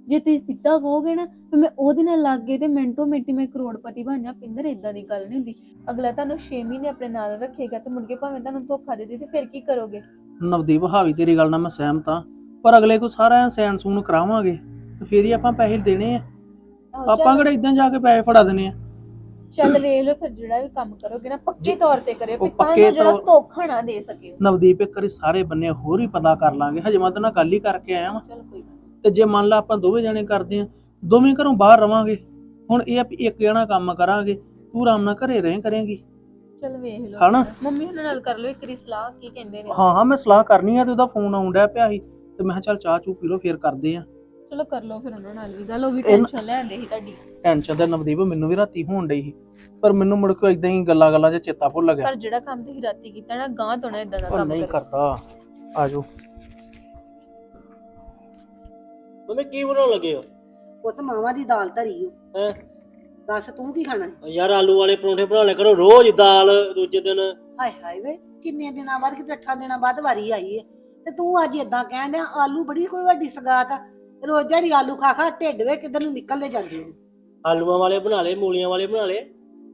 D: ਜੇ ਤੁਸੀਂ ਸਿੱਧਾ ਕਹੋਗੇ ਨਾ ਤੇ ਮੈਂ ਉਹਦੇ ਨਾਲ ਲੱਗ ਗਏ ਤੇ ਮਿੰਟੋ ਮਿੰਟੀ ਮੈਂ ਕਰੋੜਪਤੀ ਬਣ ਜਾ। ਪਿੰਦਰ ਇਦਾਂ ਦੀ ਗੱਲ ਨਹੀਂ ਹੁੰਦੀ। ਅਗਲਾ ਤੁਹਾਨੂੰ ਛੇ ਮਹੀਨੇ ਆਪਣੇ ਨਾਲ ਰੱਖੇਗਾ ਤੇ ਮੁੜ ਕੇ ਭਾਵੇਂ ਤੁਹਾਨੂੰ ਧੋਖਾ ਦੇ ਦੇ ਤੇ ਫਿਰ ਕੀ ਕਰੋਗੇ?
E: ਨਵਦੀਪ ਹਾਵੀ ਤੇਰੀ ਗੱਲ ਨਾਲ ਮੈਂ ਸਹਿਮਤ ਹਾਂ, ਪਰ ਅਗਲੇ ਕੋ ਸਾਰਾ ਸੈਨ ਸੂਨ ਕਰਾਵਾਂਗੇ ਤੇ ਫੇਰ ਹੀ ਆਪਾਂ ਪੈਸੇ ਦੇਣੇ ਆ।
D: ਆਹੋ,
E: ਆਪਾਂ
D: ਚੱਲ-
E: ਕਿਹੜਾ ਇਦਾਂ ਜਾ ਕੇ ਪੈਸੇ ਫੜਾ ਦੇਣੇ ਆ।
D: ਚੱਲ ਵੇਖ ਲਓ ਫਿਰ ਜਿਹੜਾ ਵੀ ਕੰਮ ਕਰੋਗੇ ਨਾ ਪੱਕੇ ਤੌਰ ਤੇ ਕਰਿਓ
E: ਉਹ
D: ਵੀ ਤਾਂ
E: ਪੱਕੇ
D: ਜੋ ਜਿਹੜਾ
E: ਤੌਰ-
D: ਧੋਖਾ ਨਾ ਦੇ ਸਕੇ।
E: ਨਵਦੀਪ ਇੱਕ ਵਾਰੀ ਸਾਰੇ ਬੰਨੇ ਹੋਰ ਹੀ ਪਤਾ ਕਰ ਲਾਂਗੇ। ਹਜੇ ਮੈਂ ਤਾਂ ਨਾਲ ਗੱਲ ਹੀ ਕਰਕੇ ਆਇਆ ਵਾਂ।
D: ਚਲ ਕੋਈ ਗੱਲ
E: ਤੇ ਜੇ ਮੰਨ ਲਾ ਆਪਾਂ ਦੋਵੇਂ ਜਣੇ ਕਰਦੇ ਆ, ਦੋਵੇਂ ਘਰੋਂ ਬਾਹਰ ਰਵਾਂਗੇ। ਹੁਣ ਇਹ ਆ ਵੀ ਇੱਕ ਜਣਾ ਕੰਮ ਕਰਾਂਗੇ, ਤੂੰ ਆਰਾਮ ਨਾਲ ਘਰੇ ਰਹੇ ਕਰੇਂਗੀ।
D: ਚਲ ਵੇਖ ਲਓ
E: ਹਨਾ?
D: ਮੰਮੀ ਉਹਨਾਂ ਨਾਲ ਕਰ ਲਓ ਇੱਕ ਵਾਰੀ ਸਲਾਹ, ਕੀ ਕਹਿੰਦੇ ਨੇ।
E: ਹਾਂ ਹਾਂ ਮੈਂ ਸਲਾਹ ਕਰਨੀ ਆ ਤੇ ਉਹਦਾ ਫੋਨ ਆਉਣ ਡਿਆ ਪਿਆ ਸੀ ਤੇ ਮੈਂ ਕਿਹਾ ਚੱਲ ਚਾਹ ਚੂ ਪੀ ਲਓ ਫੇਰ ਕਰਦੇ ਆ।
D: ਚਲੋ ਕਰ ਲਓ ਫਿਰ ਉਹਨਾਂ ਨਾਲ ਵੀ ਗੱਲ, ਉਹ ਵੀ
E: ਇਹਨਾਂ-
D: ਟੈਨਸ਼ਨ ਲੈਂਦੇ ਸੀ ਤੁਹਾਡੀ।
E: ਟੈਨਸ਼ਨ ਤੇ ਨਵਦੀਪ ਮੈਨੂੰ ਵੀ ਰਾਤੀ ਹੋਣ ਡਈ ਸੀ, ਪਰ ਮੈਨੂੰ ਮੁੜ ਕੇ ਇਦਾਂ ਹੀ ਗੱਲਾਂ ਗੱਲਾਂ 'ਚ ਚੇਤਾ ਭੁੱਲ ਗਿਆ।
D: ਪਰ ਜਿਹੜਾ ਕੰਮ ਤੁਸੀਂ ਰਾਤੀ ਕੀਤਾ ਨਾ ਗਾਂ ਤੋਂ ਨਾ ਇਦਾਂ ਦਾ
E: ਉਹ
D: ਕੰਮ
E: ਨਹੀਂ
D: ਕਰੋ।
E: ਕਰਦਾ। ਆਜੋ।
F: ਮੰਮੀ ਕੀ ਬਣਾਉਣ ਲੱਗੇ ਹੋ?
G: ਪੁੱਤ ਮਾਵਾਂ ਦੀ ਦਾਲ ਧਰੀ ਓ।
F: ਹੈਂ?
G: ਦੱਸ ਤੂੰ ਕੀ ਖਾਣਾ?
F: ਯਾਰ ਆਲੂ ਵਾਲੇ ਪਰੌਂਠੇ ਬਣਾ ਲਿਆ ਕਰੋ ਰੋਜ਼, ਦਾਲ ਦੂਜੇ ਦਿਨ।
G: ਹਾਏ ਹਾਏ ਵੇ, ਕਿੰਨੇ ਦਿਨਾਂ ਬਾਅਦ ਕਿ ਅੱਠਾਂ ਦਿਨਾਂ ਬਾਅਦ ਵਾਰੀ ਆਈ ਹੈ ਤੇ ਤੂੰ ਅੱਜ ਇਦਾਂ ਕਹਿਣ ਡਿਆ ਆਲੂ ਬੜੀ ਕੋਈ ਵੱਡੀ ਸਗਾਤ ਆ। ਰੋਜ਼ ਜਿਹੜੀ ਆਲੂ ਖਾ ਖਾ ਢਿੱਡ ਵੇ ਕਿੱਧਰ ਨੂੰ ਨਿਕਲਦੇ ਜਾਂਦੇ ਨੇ।
F: ਆਲੂਆਂ ਵਾਲੇ ਬਣਾ ਲਏ, ਮੂਲੀਆਂ ਵਾਲੇ ਬਣਾ ਲਏ।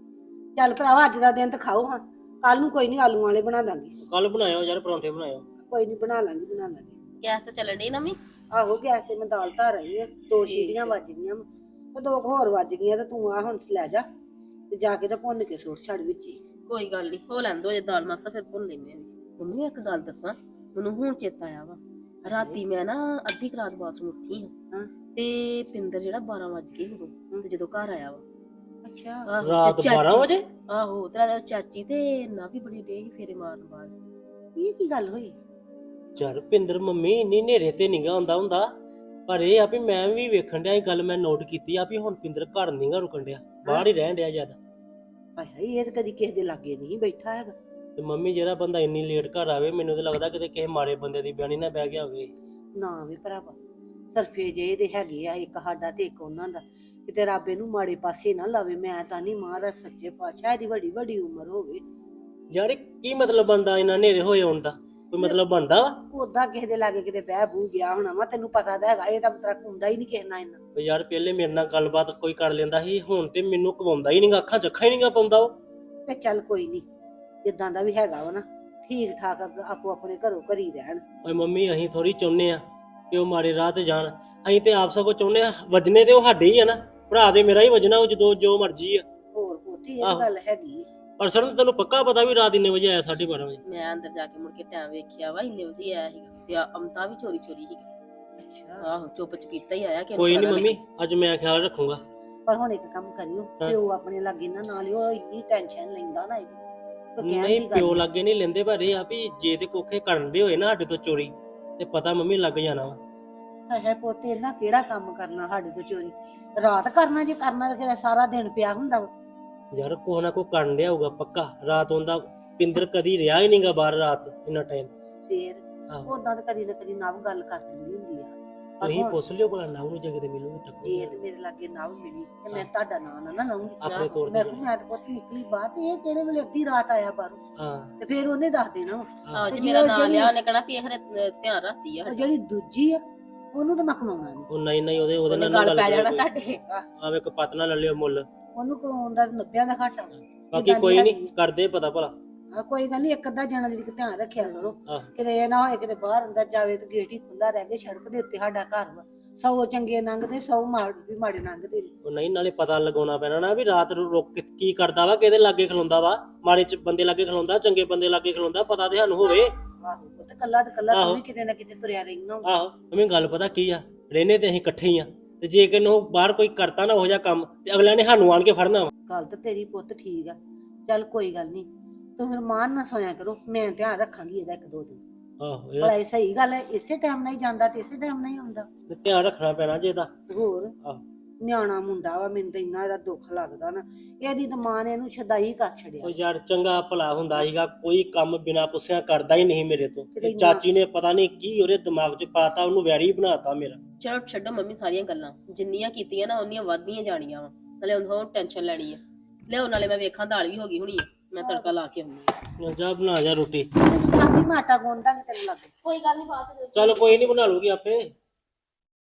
G: ਚੱਲ ਭਰਾਵਾ ਅੱਜ ਦਾ ਦਿਨ ਤਾਂ ਖਾਓ ਹਾਂ, ਕੱਲ ਨੂੰ ਕੋਈ ਨਹੀਂ ਆਲੂ ਵਾਲੇ ਬਣਾ ਦਾਂਗੇ।
F: ਕੱਲ ਬਣਾਇਓ ਯਾਰ ਪਰੌਂਠੇ ਬਣਾਇਓ।
G: ਕੋਈ ਨਹੀਂ ਬਣਾ ਲਾਂਗੇ ਬਣਾ ਲਾਂਗੇ।
H: ਗੈਸ ਤੇ ਚੱਲਣ ਡਈ ਨਵੀਂ।
G: ਆਹੋ ਗੈਸ ਤੇ ਮੈਂ ਦਾਲ ਧਰ ਆਈ ਆ, ਦੋ ਸੀਟੀਆਂ ਵੱਜ ਗਈਆਂ ਵਾਂ ਤੇ ਦੋ ਕੁ ਹੋਰ ਵੱਜ ਗਈਆਂ ਤੇ ਤੂੰ ਆ ਹੁਣ ਲੈ ਜਾ ਤੇ ਜਾ ਕੇ ਤੇ ਭੁੰਨ ਕੇ ਸੁੱਟ ਛੱਡ ਵਿੱਚ ਹੀ।
H: ਕੋਈ ਗੱਲ ਨਹੀਂ, ਹੋ ਲੈਣ ਦੋ ਜੇ ਦਾਲ ਮਾਸਾ ਫਿਰ ਭੁੰਨ ਲੈਨੇ ਆ। ਮੰਮੀ ਇੱਕ ਗੱਲ ਦੱਸਾਂ, ਮੈਨੂੰ ਹੁਣ ਚੇਤਾ ਆਇਆ ਵਾ। ਰਾਤੀ ਮੈਂ ਨਾ ਅੱਧੀ ਕੁ ਰਾਤ ਬਾਅਦ ਉੱਠੀ ਹਾਂ
G: ਹਾਂ।
H: ਤੇ ਪਿੰਦਰ ਜਿਹੜਾ ਬਾਰਾਂ ਵਜ ਗਏ ਉਦੋਂ ਤੇ ਜਦੋਂ ਘਰ ਆਇਆ ਵਾ।
G: ਅੱਛਾ
H: ਆਹੋ, ਤੇ
F: ਰਾਤ
H: ਚਾਚੀ-
F: ਬਾਰਾਂ ਵਜੇ?
H: ਆਹੋ ਤੇਰਾ ਚਾਚੀ ਤੇ ਨਾ ਵੀ ਬੜੀ ਡੇ ਫੇਰੇ ਮਾਰਨ ਬਾਅਦ।
G: ਇਹ ਕੀ ਗੱਲ ਹੋਈ?
F: ਯਾਰ ਪਿੰਦਰ ਮੰਮੀ ਇੰਨੀ ਨੇਰੇ ਤੇ ਨਿਗਾ ਹੁੰਦਾ ਹੁੰਦਾ, ਪਰ ਇਹ ਆ ਵੀ ਮੈਂ ਵੀ ਵੇਖਣ ਡਿਆ, ਇਹ ਗੱਲ ਮੈਂ ਨੋਟ ਕੀਤੀ ਆ ਵੀ ਹੁਣ ਪਿੰਦਰ ਘਰ ਨਹੀਂਗਾ ਰੁਕਣ ਡਿਆ, ਬਾਹਰ ਹੀ ਰਹਿਣ ਡਿਆ ਜਿਆਦਾ।
G: ਹਾਏ ਹਾਏ, ਇਹ ਤਾਂ ਕਦੀ ਕਿਸੇ ਦੇ ਲਾਗੇ ਨਹੀਂ ਬੈਠਾ ਹੈਗਾ।
F: ਤੇ ਮੰਮੀ ਜਿਹੜਾ ਬੰਦਾ ਇੰਨੀ ਲੇਟ ਘਰ ਆਵੇ, ਮੈਨੂੰ ਤਾਂ ਲੱਗਦਾ ਕਿਤੇ ਕਿਸੇ ਮਾੜੇ ਬੰਦੇ ਦੀ ਬਿਆਨੀ ਨਾ ਬਹਿ ਗਿਆ ਹੋਵੇ।
G: ਨਾ ਵੀ ਭਰਾਵਾ, ਸਰਫੇ ਜੇ ਦੇ ਹੈਗੇ ਆ, ਇੱਕ ਸਾਡਾ ਤੇ ਇੱਕ ਉਹਨਾਂ ਦਾ। ਕਿਤੇ ਰੱਬ ਇਹਨੂੰ ਮਾੜੇ ਪਾਸੇ ਨਾ ਲਾਵੇ। ਮੈਂ ਤਾਂ ਨਹੀਂ, ਮਹਾਰਾਜ ਸੱਚੇ ਪਾਤਸ਼ਾਹ ਇਹਦੀ ਵੱਡੀ ਵੱਡੀ ਉਮਰ ਹੋਵੇ।
F: ਯਾਰ ਇਹ ਕੀ ਮਤਲਬ ਬਣਦਾ ਇਹਨਾਂ ਨੇਰੇ ਹੋਏ ਆਉਣ ਦਾ? ਕੋਈ ਮਤਲਬ ਬਣਦਾ ਵਾ?
G: ਉਦਾਂ ਕਿਸੇ ਦੇ ਲਾਗੇ ਕਿਤੇ ਬਹਿ ਬੂ ਗਿਆ ਹੋਣਾ ਵਾ, ਤੈਨੂੰ ਪਤਾ ਤਾਂ ਹੈਗਾ ਇਹਦਾ ਮਤਲਬ ਹੁੰਦਾ ਹੀ ਨਹੀਂ ਕਿਸੇ ਨਾਲ ਇੰਨਾ।
F: ਉਹ ਯਾਰ ਪਹਿਲੇ ਮੇਰੇ ਨਾਲ ਗੱਲਬਾਤ ਕੋਈ ਕਰ ਲੈਂਦਾ ਸੀ, ਹੁਣ ਤੇ ਮੈਨੂੰ ਕਵਾਉਂਦਾ ਹੀ ਨਹੀਂਗਾ, ਅੱਖਾਂ ਚ ਅੱਖਾਂ ਹੀ ਨਹੀਂਗਾ ਪਾਉਂਦਾ ਉਹ।
G: ਤੇ ਚੱਲ ਕੋਈ ਨਹੀਂ, ਜਿੱਦਾਂ ਦਾ ਵੀ ਹੈਗਾ ਵਾ ਨਾ, ਠੀਕ ਠਾਕ ਆਪੋ ਆਪਣੇ ਘਰੋਂ ਘਰੀ ਰਹਿਣ।
F: ਓਏ ਮੰਮੀ ਅਸੀਂ ਥੋੜੀ ਚਾਹੁੰਦੇ ਆ ਕਿ ਉਹ ਮਾੜੇ ਰਾਹ ਤੇ ਜਾਣ, ਅਸੀਂ ਤੇ ਆਪ ਸਗੋਂ ਚਾਹੁੰਦੇ ਆ ਵਜਨੇ ਤੇ ਉਹ ਸਾਡੇ ਹੀ ਆ ਨਾ, ਭਰਾ ਦੇ ਮੇਰਾ ਹੀ ਵਜਣਾ, ਉਹ ਜਦੋਂ ਜੋ ਮਰਜੀ ਆ।
G: ਹੋਰ ਉੱਥੇ ਇਹ
F: ਆਹੋ।
G: ਗੱਲ ਹੈਗੀ।
F: ਪਰ ਸਰ ਤੈਨੂੰ ਪੱਕਾ ਪਤਾ ਵੀ ਰਾਤ ਇੰਨੇ ਵਜੇ ਆਇਆ, ਸਾਢੇ ਬਾਰਾਂ ਵਜੇ?
H: ਮੈਂ ਅੰਦਰ ਜਾ ਕੇ ਮੁੜ ਕੇ ਟਾਈਮ ਵੇਖਿਆ ਵਾ, ਇੰਨੇ ਵਜੇ ਆਇਆ ਸੀਗਾ ਤੇ ਅਮਤਾ ਵੀ ਚੋਰੀ ਚੋਰੀ ਸੀਗਾ।
G: ਅੱਛਾ,
H: ਆਹੋ ਚੁੱਪ ਚਪੀਤਾ ਹੀ ਆਇਆ ਕਿ
F: ਕੋਈ ਨਹੀਂ ਮੰਮੀ, ਅੱਜ ਮੈਂ ਖਿਆਲ ਰੱਖੂੰਗਾ।
G: ਪਰ ਹੁਣ ਇੱਕ ਕੰਮ ਕਰਿਓ,
F: ਹਾਂ।
G: ਪਿਓ ਆਪਣੇ ਲਾਗੇ ਨਾ ਨਾਲ ਹੀ, ਉਹ ਇੰਨੀ ਟੈਨਸ਼ਨ ਲੈਂਦਾ ਨਾ ਇਹਦੀ। ਕੋਈ ਕਹਿਣ
F: ਨਹੀਂ
G: ਦੀ ਗੱਲ
F: ਪਿਓ
G: ਨੀ।
F: ਲੱਗੇ ਨਹੀਂ ਲੈਂਦੇ, ਪਰ ਇਹ ਆ ਵੀ ਜੇ ਤੇ ਕੋਖੇ ਕਰਨ ਦੇ ਹੋਏ ਨਾ ਸਾਡੇ ਤੋਂ ਚੋਰੀ, ਤੇ ਪਤਾ ਮੰਮੀ ਲੱਗ ਜਾਣਾ ਵਾ।
G: ਹਾਏ ਹਾਏ ਪੁੱਤ, ਇਹਨਾਂ ਕਿਹੜਾ ਕੰਮ ਕਰਨਾ ਸਾਡੇ ਤੋਂ ਚੋਰੀ? ਰਾਤ ਕਰਨਾ, ਜੇ ਕਰਨਾ ਤਾਂ ਫਿਰ ਸਾਰਾ ਦਿਨ ਪਿਆ ਹੁੰਦਾ ਵਾ।
F: ਯਾਰ ਕੋਹ ਨਾ ਕੋ ਕਰਨ ਡਿਆ ਹੋਊਗਾ ਪੱਕਾ। ਰਾਤ ਹੁੰਦਾ ਪਿੰਦਰ ਕਦੀ ਰਿਹਾ ਹੀ ਨਹੀਂਗਾ ਬਾਹਰ ਰਾਤ ਇੰਨਾ ਟਾਈਮ।
G: ਫੇਰ
F: ਆਹੋ
G: ਉਦਾਂ ਤਾਂ ਕਦੀ ਨਾ ਕਦੀ ਨਵ ਗੱਲ ਕਰ ਦਿੰਦੀ ਹੁੰਦੀ ਆ। ਪਰ
F: ਤੁਸੀਂ
G: ਹੁਣ
F: ਪੁੱਛ ਲਿਓ ਭਲਾ ਨਾ ਉਹਨੂੰ ਜਗਦੇ ਮਿਲੂਗੀ
G: ਜੇ
F: ਟੱਕੂ
G: ਤੇ ਮੇਰੇ ਲਾਗੇ ਨਵ ਮਿਲੀ ਤੇ ਮੈਂ ਤੁਹਾਡਾ ਨਾਂ ਨਾ ਨਾ ਲਾਉਂਗੀ।
F: ਆਪਣੇ ਤੌਰ
G: ਮੈਂ
F: ਤੇ।
G: ਕਿਹਾ ਮੈਂ ਤਾਂ ਪੁੱਤ ਨਿਕਲੀ ਬਾਹਰ ਤੇ ਇਹ ਕਿਹੜੇ ਵੇਲੇ ਅੱਧੀ ਰਾਤ ਆਇਆ ਬਾਹਰੋਂ,
F: ਹਾਂ
G: ਤੇ ਫੇਰ ਉਹਨੇ ਦੱਸ ਦੇਣਾ ਵਾ।
H: ਆਹੋ
G: ਤੇ
H: ਜੇ
G: ਜੇ
H: ਮੇਰਾ
G: ਉਹ
H: ਨਾਂ
G: ਜਿਹੜੀ-
H: ਲਿਆ ਉਹਨੇ ਕਹਿਣਾ ਵੀ ਇਹ ਖਰੇ ਧਿਆਨ ਰੱਖਦੀ ਆ
G: ਤੇ ਜਿਹੜੀ ਦੂਜੀ ਆ ਉਹਨੂੰ ਤਾਂ ਮੈਂ ਕਮਾਉਣਾ ਨਹੀਂ।
F: ਉਹ ਨਹੀਂ ਨਹੀਂ ਉਹਦੇ ਉਹਦੇ
H: ਉਹਨੇ
F: ਨਾਲ
H: ਗੱਲ
F: ਨਾ
H: ਪੈ
F: ਗੱਲ
H: ਜਾਣਾ
F: ਕਰੋ।
H: ਤੁਹਾਡੇ।
F: ਆਵੇ ਇੱਕ ਪਤ ਨਾ ਲੈ ਲਿਓ ਮੁੱਲ।
G: ਉਹਨੂੰ ਕਮਾਉਣ ਦਾ ਨੱਬਿਆਂ ਦਾ ਘਾਟਾ ਵਾ।
F: ਬਾਕੀ
G: ਜਿੱਦਾਂ ਦੀ
F: ਕੋਈ ਨਹੀਂ
G: ਹੈਗੀ।
F: ਕਰਦੇ ਪਤਾ ਭਲਾ।
G: ਆ ਕੋਈ ਗੱਲ ਨਹੀਂ, ਇੱਕ ਅੱਧਾ ਜਣਾ ਦੀ ਧਿਆਨ ਰੱਖਿਆ ਕਰੋ।
F: ਆਹ
G: ਕਿਤੇ ਇਹ ਨਾ ਹੋਏ ਕਿਤੇ ਬਾਹਰ ਅੰਦਰ ਜਾਵੇ ਤੇ ਗੇਟ ਹੀ ਖੁੱਲਾ ਰਹਿ ਗਿਆ, ਸੜਕ ਦੇ ਉੱਤੇ ਸਾਡਾ ਘਰ ਵਾ। ਸੌ ਚੰਗੇ ਲੰਘਦੇ, ਸੌ ਮਾੜੇ ਵੀ ਮਾੜੇ ਲੰਘਦੇ ਨੇ।
F: ਉਹ ਨਹੀਂ ਨਾਲੇ ਪਤਾ ਲਗਾਉਣਾ ਪੈਣਾ ਨਾ ਵੀ ਰਾਤ ਨੂੰ ਰੁਕ ਕੇ ਕੀ ਕਰਦਾ ਵਾ, ਕਿਹਦੇ ਲਾਗੇ ਖਲੋਂਦਾ ਵਾ, ਮਾੜੇ ਚ ਬੰਦੇ ਲਾਗੇ ਖਲੋਂਦਾ, ਚੰਗੇ ਬੰਦੇ ਲਾਗੇ ਖਲੋਂਦਾ, ਪਤਾ ਤੇ ਸਾਨੂੰ ਹੋਵੇ।
G: ਆਹੋ ਉਹ ਤੇ ਕੱਲਾ ਤੇ ਕੱਲਾ
F: ਆਹੋ।
G: ਤੂੰ ਵੀ ਕਿਤੇ ਨਾ ਕਿਤੇ ਤੁਰਿਆ ਰਹਿਣਾ ਵਾ।
F: ਆਹੋ ਮੰਮੀ ਗੱਲ ਪਤਾ ਕੀ ਆ, ਰਹਿਨੇ ਤੇ ਅਸੀਂ ਇਕੱਠੇ ਹੀ ਆ, ਤੇ ਜੇ ਕਿਨੂੰ ਬਾਹਰ ਕੋਈ ਕਰਤਾ ਨਾ ਉਹ ਜਿਹਾ ਕੰਮ ਤੇ ਅਗਲਿਆਂ ਨੇ ਸਾਨੂੰ ਆਣ ਕੇ ਫੜਨਾ ਵਾ।
G: ਗੱਲ ਤਾਂ ਤੇਰੀ ਪੁੱਤ ਠੀਕ ਆ। ਚੱਲ ਕੋਈ ਗੱਲ ਨਹੀਂ, ਤੂੰ ਫਿਰ ਮਾਨ ਨਾ ਸੋਇਆ ਕਰੋ, ਮੈਂ ਧਿਆਨ ਰੱਖਾਂਗੀ ਇਹਦਾ ਇੱਕ ਦੋ ਦਿਨ।
F: ਆਹੋ
G: ਭਲਾ
F: ਇਹਦਾ
G: ਇਹ ਸਹੀ ਗੱਲ ਹੈ, ਇਸੇ ਟਾਈਮ ਨਾਲ ਹੀ ਜਾਂਦਾ ਤੇ ਇਸੇ ਟਾਈਮ ਨਾਲ ਹੀ ਆਉਂਦਾ।
F: ਧਿਆਨ ਰੱਖਣਾ ਪੈਣਾ ਜੇ ਇਹਦਾ।
G: ਤੇ ਹੋਰ
F: ਆਹੋ।
G: ਨਿਆਣਾ ਮੁੰਡਾ ਵਾ, ਮੈਨੂੰ ਤਾਂ ਇੰਨਾ ਇਹਦਾ ਦੁੱਖ ਲੱਗਦਾ ਨਾ। ਇਹਦੀ ਤਾਂ ਮਾਂ ਨੇ ਇਹਨੂੰ ਛਦਾਈ ਕਰ ਛੜਿਆ।
F: ਉਹ ਯਾਰ ਚੰਗਾ ਭਲਾ ਹੁੰਦਾ ਸੀਗਾ, ਕੋਈ ਕੰਮ ਬਿਨਾਂ ਪੁੱਛਿਆ ਕਰਦਾ ਹੀ ਨਹੀਂ ਮੇਰੇ ਤੋਂ।
G: ਕਿਤੇ ਇੰਨਾ-
F: ਚਾਚੀ ਨੇ ਪਤਾ ਨਹੀਂ ਕੀ ਉਹਦੇ ਦਿਮਾਗ 'ਚ ਪਾਤਾ, ਉਹਨੂੰ ਵੈਰੀ ਬਣਾਤਾ ਮੇਰਾ।
H: ਚਲੋ ਛੱਡੋ ਮੰਮੀ ਸਾਰੀਆਂ ਗੱਲਾਂ, ਜਿੰਨੀਆਂ ਕੀਤੀਆਂ ਨਾ ਉਹਨੀਆਂ ਵੱਧਦੀਆਂ ਜਾਣੀਆਂ ਵਾ। ਨਾਲੇ ਹੁਣ ਟੈਨਸ਼ਨ ਲੈਣੀ ਆ। ਲਿਆਓ ਨਾਲੇ ਮੈਂ ਵੇਖਾਂ ਦਾਲ ਵੀ ਹੋ ਗਈ ਹੋਣੀ ਆ, ਮੈਂ ਤੜਕਾ ਲਾ ਕੇ ਆਉਂਦੀ ਆ।
F: ਜਾ ਬਣਾ ਜਾ ਰੋਟੀ।
G: ਸਾਡੀ ਮਾਟਾ ਗੋਂਦਾ ਕਿ ਤੈਨੂੰ ਲੱਗੇ।
H: ਕੋਈ ਗੱਲ ਨਹੀਂ ਬਾਤ
F: ਚੱਲ ਕੋਈ ਨਹੀਂ ਬਣਾ ਲੂਗੀ ਆਪੇ।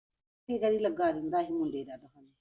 G: ਫਿਕਰ ਹੀ ਲੱਗਾ ਰਹਿੰਦਾ ਸੀ ਮੁੰਡੇ ਦਾ ਤਾਂ ਸਾਨੂੰ।